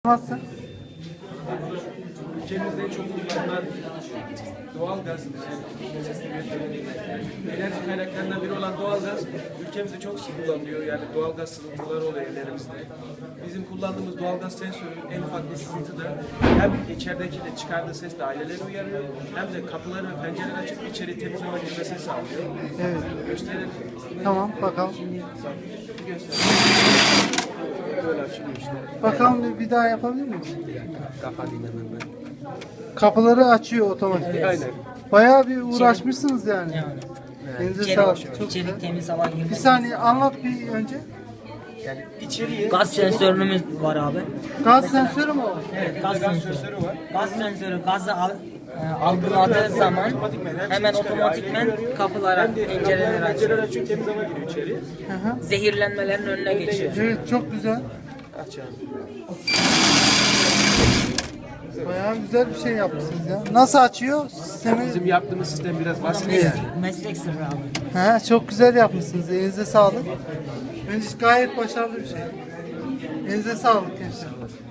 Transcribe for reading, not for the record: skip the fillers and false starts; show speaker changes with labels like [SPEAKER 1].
[SPEAKER 1] Nasıl?
[SPEAKER 2] Ülkemizde çok kullanılan doğalgaz, enerji kaynaklarından biri olan doğalgaz ülkemizde çok sık kullanılıyor. Yani doğalgaz sızıntıları oluyor evlerimizde. Bizim kullandığımız doğalgaz sensörü en ufak bir sızıntıda hem içerideki de çıkardığı ses de aileleri uyarıyor, hem de kapıları ve pencereleri açıp içeri temiz hava girmesini sağlıyor.
[SPEAKER 1] Evet.
[SPEAKER 2] Gösterelim.
[SPEAKER 1] Tamam bakalım.
[SPEAKER 2] Böyle açılıyor işte.
[SPEAKER 1] Bakalım bir daha yapabilir miyiz?
[SPEAKER 2] Kapatayım hemen ben.
[SPEAKER 1] Kapıları açıyor otomatik.
[SPEAKER 2] Aynen.
[SPEAKER 1] Bayağı bir uğraşmışsınız yani. Elinize
[SPEAKER 3] İçeri,
[SPEAKER 1] sağlık. Çok
[SPEAKER 3] içeri
[SPEAKER 1] güzel.
[SPEAKER 3] temiz hava
[SPEAKER 1] Bir
[SPEAKER 3] girmesi.
[SPEAKER 1] saniye anlat bir önce.
[SPEAKER 2] Yani içeriye
[SPEAKER 3] Gaz sensörümüz var abi.
[SPEAKER 1] Gaz sensörü mü o?
[SPEAKER 3] Evet, gaz
[SPEAKER 2] gaz
[SPEAKER 3] sensörü.
[SPEAKER 2] sensörü var.
[SPEAKER 3] Gaz sensörü gazı algıladığı zaman hemen otomatikmen kapılara, pencereleri açıyor.
[SPEAKER 2] Pencereler açıyor, temiz hava giriyor içeri.
[SPEAKER 1] Hı hı.
[SPEAKER 3] Zehirlenmelerin önüne geçiyor.
[SPEAKER 1] Evet çok güzel.
[SPEAKER 2] Aç abi.
[SPEAKER 1] Bayağı güzel bir şey yapmışsınız ya. Nasıl açıyor? Sistemi...
[SPEAKER 2] Bizim yaptığımız sistem biraz basit.
[SPEAKER 3] Meslek sırrı abi.
[SPEAKER 1] He, çok güzel yapmışsınız. Elinize sağlık. Bence gayet başarılı bir şey. Elinize sağlık gençler.